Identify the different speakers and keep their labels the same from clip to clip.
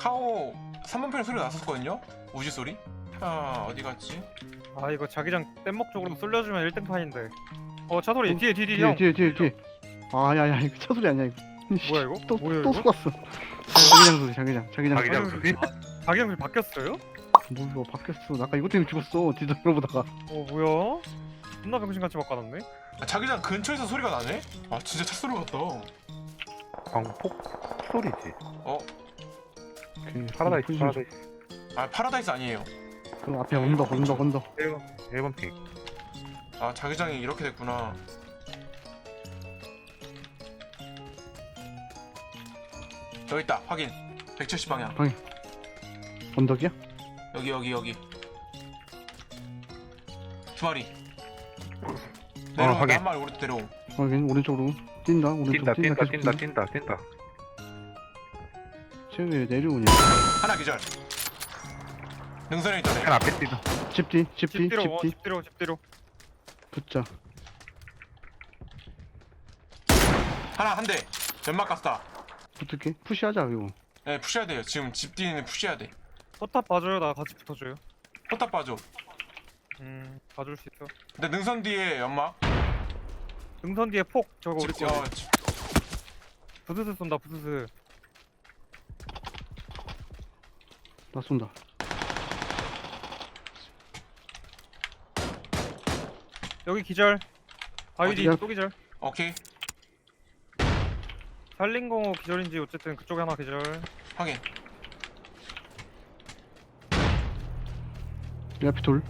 Speaker 1: 카오 3번 편에 소리가 났었거든요? 우지 소리? 아 어디 갔지?
Speaker 2: 아 이거 자기장 뗏목 쪽으로 쏠려주면 1등판인데. 차 소리 뒤에 형.
Speaker 3: 뒤에. 아, 야, 이거 차 소리 아니야, 이거.
Speaker 2: 뭐야 이거?
Speaker 3: 또
Speaker 2: 뭐야,
Speaker 3: 또
Speaker 2: 이거?
Speaker 3: 속았어. 자기장 소리, 자기장
Speaker 4: 자기장 소리?
Speaker 2: 자기장 소리 바뀌었어요?
Speaker 3: 뭐 이거 바뀌었어. 나 아까 이것 때문에 죽었어. 뒤돌아보다가.
Speaker 2: 뭐야? 존나 병신같이 바꿔놨네.
Speaker 1: 아, 자기장 근처에서 소리가 나네? 아 진짜 차 소리 같다.
Speaker 4: 광폭 소리지.
Speaker 1: 어?
Speaker 4: 파라다이스.
Speaker 1: 아 파라다이스 아니에요.
Speaker 3: 그 앞에 언덕.
Speaker 4: 1번 픽.
Speaker 1: 아 자기장이 이렇게 됐구나. 여기 있다 확인. 170방향.
Speaker 3: 언덕이야?
Speaker 1: 여기. 두 마리.
Speaker 4: 확인.
Speaker 1: 내려온다. 한 마리 오른쪽 내려옴.
Speaker 3: 확인. 오른쪽으로 뛴다. 오른쪽
Speaker 4: 뛴다.
Speaker 3: 쟤왜 내려오냐?
Speaker 1: 하나 기절. 능선에 있던 애.
Speaker 4: 한 앞에 뛰다.
Speaker 3: 집 뒤.
Speaker 2: 집 뒤로.
Speaker 3: 붙자.
Speaker 1: 하나 한 대. 연막 갔다.
Speaker 3: 붙을게. 푸시하자, 이거.
Speaker 1: 네 푸셔야 돼요. 지금 집 뒤에는 푸셔야 돼.
Speaker 2: 포탑 봐줘요. 나 같이 붙어줘요.
Speaker 1: 포탑 봐줘.
Speaker 2: 봐줄 수 있어.
Speaker 1: 근데 능선 뒤에 연막.
Speaker 2: 능선 뒤에 폭 저거 우리
Speaker 1: 집,
Speaker 2: 거.
Speaker 1: 어, 집.
Speaker 2: 부스스 쏜다 부스스.
Speaker 3: 나 쏜다.
Speaker 2: 여기 기절. 바위디
Speaker 3: 어디야?
Speaker 2: 또 기절.
Speaker 1: 오케이
Speaker 2: 살린 거 기절인지 어쨌든 그쪽에 하나 기절.
Speaker 1: 확인.
Speaker 3: 내 앞에 돌.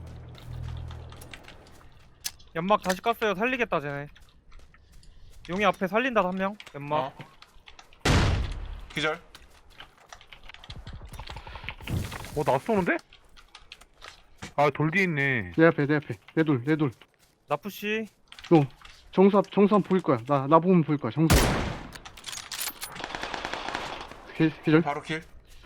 Speaker 2: 연막 다시 깠어요. 살리겠다 쟤네. 용이 앞에 살린다 한 명. 연막.
Speaker 1: 어. 기절.
Speaker 4: 나 쏘는데? 아, 돌 뒤에 있네.
Speaker 3: 내 앞에. 내 돌.
Speaker 2: 나푸시.
Speaker 3: 정수함 보일 거야. 나 보면 보일 거야. 정수함. 기절.
Speaker 1: 바로 킬.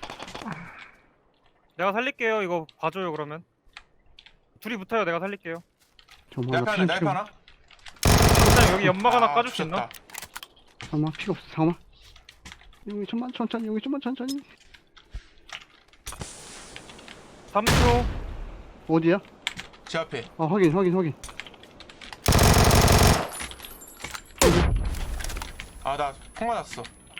Speaker 2: 내가 살릴게요. 이거 봐줘요 그러면. 둘이 붙어요. 내가 살릴게요.
Speaker 1: 내 앞에 하나. 내 앞에 하나.
Speaker 2: 일단 여기 연막 하나
Speaker 1: 아,
Speaker 2: 까줄 수 있나?
Speaker 1: 죽였다.
Speaker 3: 잠깐만, 피가 없어. 잠깐만. 여기 좀만 천천히.
Speaker 2: 3초.
Speaker 3: 어디야?
Speaker 1: 제 앞에.
Speaker 3: 아, 확인.
Speaker 1: 아 나 폭 맞았어.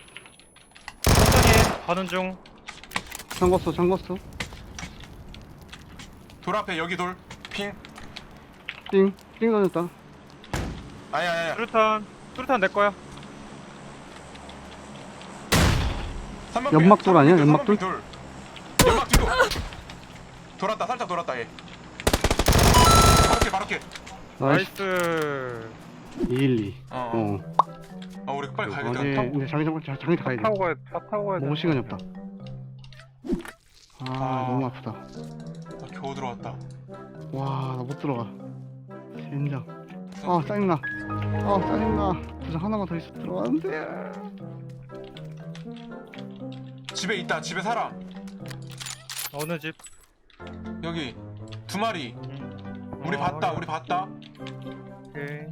Speaker 2: 천천히 가는 중.
Speaker 3: 잠궜어.
Speaker 1: 돌 앞에 여기 돌. 핑.
Speaker 3: 띵 던졌다.
Speaker 1: 아니야.
Speaker 2: 수류탄 내 거야.
Speaker 1: 3번
Speaker 3: 연막돌 아니야? 연막돌?
Speaker 1: 돌. 연막 뒤로. 돌았다. 살짝 돌았다 얘. 바로 킬.
Speaker 2: 나이스.
Speaker 3: 212.
Speaker 1: 어. 우리 빨리 가야겠다.
Speaker 3: 근데 자기장 가야 돼.
Speaker 4: 차 타고 가야 돼.
Speaker 3: 먹을 시간이 없다.
Speaker 1: 아.
Speaker 3: 너무 아프다.
Speaker 1: 나 겨우 들어왔다.
Speaker 3: 와, 나 못 들어가. 젠장. 짜증나. 부상 하나만 더 있어 들어가는데.
Speaker 1: 집에 있다. 집에 사람.
Speaker 2: 어느 집?
Speaker 1: 여기 두 마리. 우리 봤다.
Speaker 2: 오케이.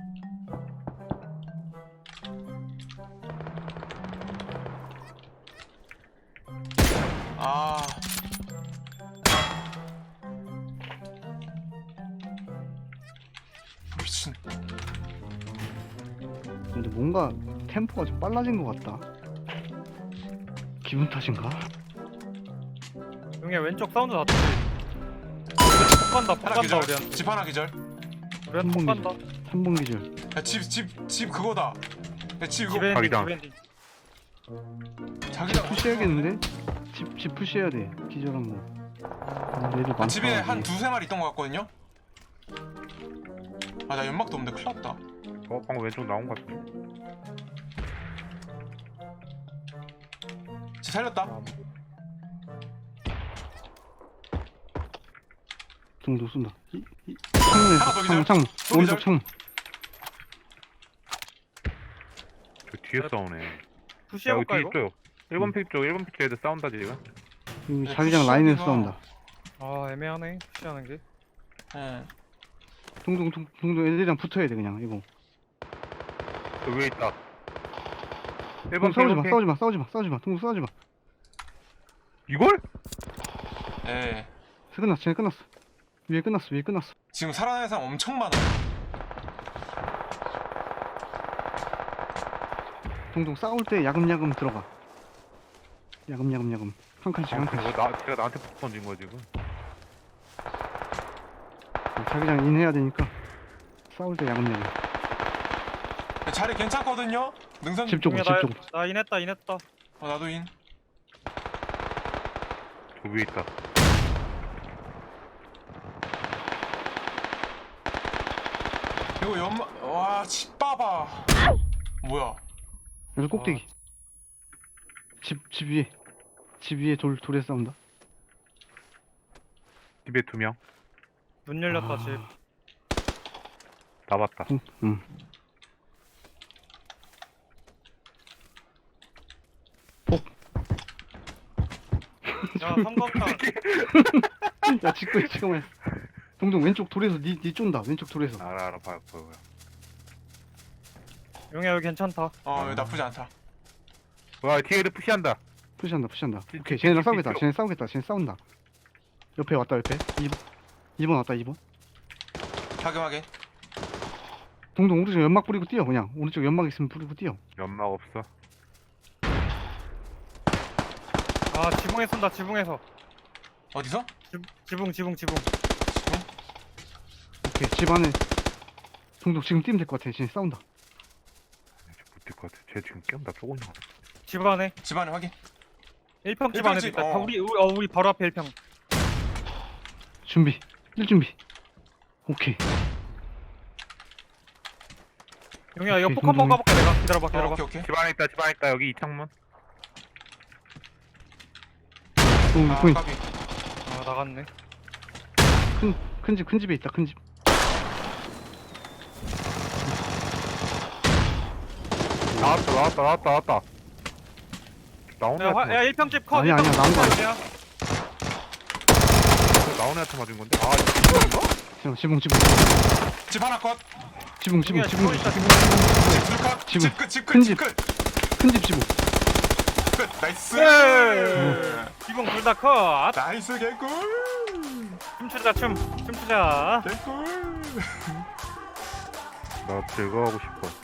Speaker 1: 아. 미친.
Speaker 3: 근데 뭔가 템포가 좀 빨라진 것 같다. 기분 탓인가?
Speaker 2: 용이야 왼쪽 사운드 났지? 폭 간다
Speaker 1: 하나 기절.
Speaker 2: 우리한테.
Speaker 1: 집 하나 기절.
Speaker 2: 우리한테 폭 간다.
Speaker 3: 3번 기절.
Speaker 1: 야, 집 그거다. 야, 집 이거
Speaker 2: 집 엔딩
Speaker 4: 자기장.
Speaker 2: 집 엔딩.
Speaker 1: 자기장
Speaker 3: 푸시해야겠는데? 집 푸시해야 돼. 기절한 거. 얘들 많다.
Speaker 1: 집에 한 두세 마리 있던 것 같거든요. 아 나 연막도 없는데 큰일 났다.
Speaker 4: 방금 왼쪽 나온 것 같아.
Speaker 1: 집 살렸다.
Speaker 3: 정도 쏜다.
Speaker 1: 하나 더 기절.
Speaker 3: 창문.
Speaker 1: 또
Speaker 3: 오른쪽
Speaker 1: 기절.
Speaker 3: 창문.
Speaker 4: 저 뒤에 싸우네.
Speaker 2: 푸시해볼까
Speaker 4: 여기
Speaker 2: 이거?
Speaker 4: 뒤에 있어요. 1번 픽 쪽 애들 싸운다 지금.
Speaker 3: 여기
Speaker 1: 네,
Speaker 3: 자기장
Speaker 1: 푸시하기가.
Speaker 3: 라인에서 싸운다.
Speaker 2: 아 애매하네 푸시하는 게.
Speaker 1: 예.
Speaker 3: 동동 애들이랑 붙어야 돼 그냥 이거.
Speaker 4: 저 위에 있다.
Speaker 3: 동
Speaker 4: 1번
Speaker 3: 싸우지 마. 동동 싸우지 마.
Speaker 4: 이걸?
Speaker 1: 예.
Speaker 3: 끝났어. 쟤네 끝났어. 위에 끝났어.
Speaker 1: 지금 살아나는 사람 엄청 많아요.
Speaker 3: 동동 싸울 때 야금야금 들어가. 야금. 한 칸씩.
Speaker 4: 제가 나한테 폭 던진 거야 지금.
Speaker 3: 자기장 인해야 되니까 싸울 때 야금야금.
Speaker 1: 자리 괜찮거든요. 능선.
Speaker 3: 집 쪽으로.
Speaker 2: 나 인했다.
Speaker 1: 나도 인.
Speaker 4: 저 위에 있다.
Speaker 1: 이거 와, 집 봐봐. 뭐야?
Speaker 3: 여기 꼭대기. 집 위에 돌에 싸운다.
Speaker 4: 집에 2명.
Speaker 2: 문 열렸다 집.
Speaker 4: 나봤다.
Speaker 3: 응.
Speaker 2: 야 삼각형.
Speaker 3: 야 지금 했어. 동동 왼쪽 돌에서 니 쫀다. 왼쪽 돌에서.
Speaker 4: 알아 보여.
Speaker 2: 용이야 여기 괜찮다.
Speaker 1: 여기 나쁘지 않다.
Speaker 4: 와 뒤에 애들 푸시한다.
Speaker 3: 푸시한다. 오케이 쟤네랑 싸우겠다. 쟤네 싸운다. 옆에 왔다. 2번 왔다. 2번.
Speaker 1: 확인하게.
Speaker 3: 동동 오른쪽 연막 뿌리고 뛰어. 그냥 오른쪽 연막 있으면 뿌리고 뛰어.
Speaker 4: 연막 없어.
Speaker 2: 아 지붕에 쏜다. 지붕에서.
Speaker 1: 어디서?
Speaker 2: 지붕.
Speaker 3: 오케이 집 안에 동동 지금 뛰면 될 것 같아. 쟤네 싸운다.
Speaker 4: 못될 것 같아. 쟤 지금 깨운다 쪼고 있는 거 같아.
Speaker 2: 집 안에.
Speaker 1: 집 안에 확인.
Speaker 2: 1평 집
Speaker 1: 일평
Speaker 2: 안에도
Speaker 1: 집,
Speaker 2: 있다.
Speaker 1: 어.
Speaker 2: 우리 바로 앞에 1평.
Speaker 3: 준비. 1준비. 오케이.
Speaker 2: 용이야 이거
Speaker 3: 오케이,
Speaker 2: 폭 한번
Speaker 3: 동동이.
Speaker 2: 가볼게 내가. 기다려봐.
Speaker 1: 오케이.
Speaker 4: 집 안에 있다. 여기 이창문.
Speaker 3: 동동
Speaker 1: 까비.
Speaker 2: 아 나갔네.
Speaker 3: 큰 집에 있다. 큰 집.
Speaker 4: 나왔다. 나오는 애한테
Speaker 2: 야 1평 집 컷.
Speaker 3: 아니야, 나온 거 아니야.
Speaker 2: 아니야.
Speaker 4: 나오는 애한테 맞은 건데. 아 이거
Speaker 3: 지붕.
Speaker 1: 집 하나 컷.
Speaker 3: 지붕.
Speaker 2: 용이야 지붕 있다.
Speaker 1: 집 둘 컷.
Speaker 3: 지붕.
Speaker 1: 집
Speaker 3: 큰
Speaker 1: 끝.
Speaker 3: 집.
Speaker 1: 집 끝.
Speaker 3: 큰 집 지붕.
Speaker 1: 끝. 나이스.
Speaker 2: 지붕 둘 다 컷.
Speaker 1: 나이스 개꿀.
Speaker 2: 춤추자.
Speaker 1: 개꿀.
Speaker 4: 나 제거하고 싶어.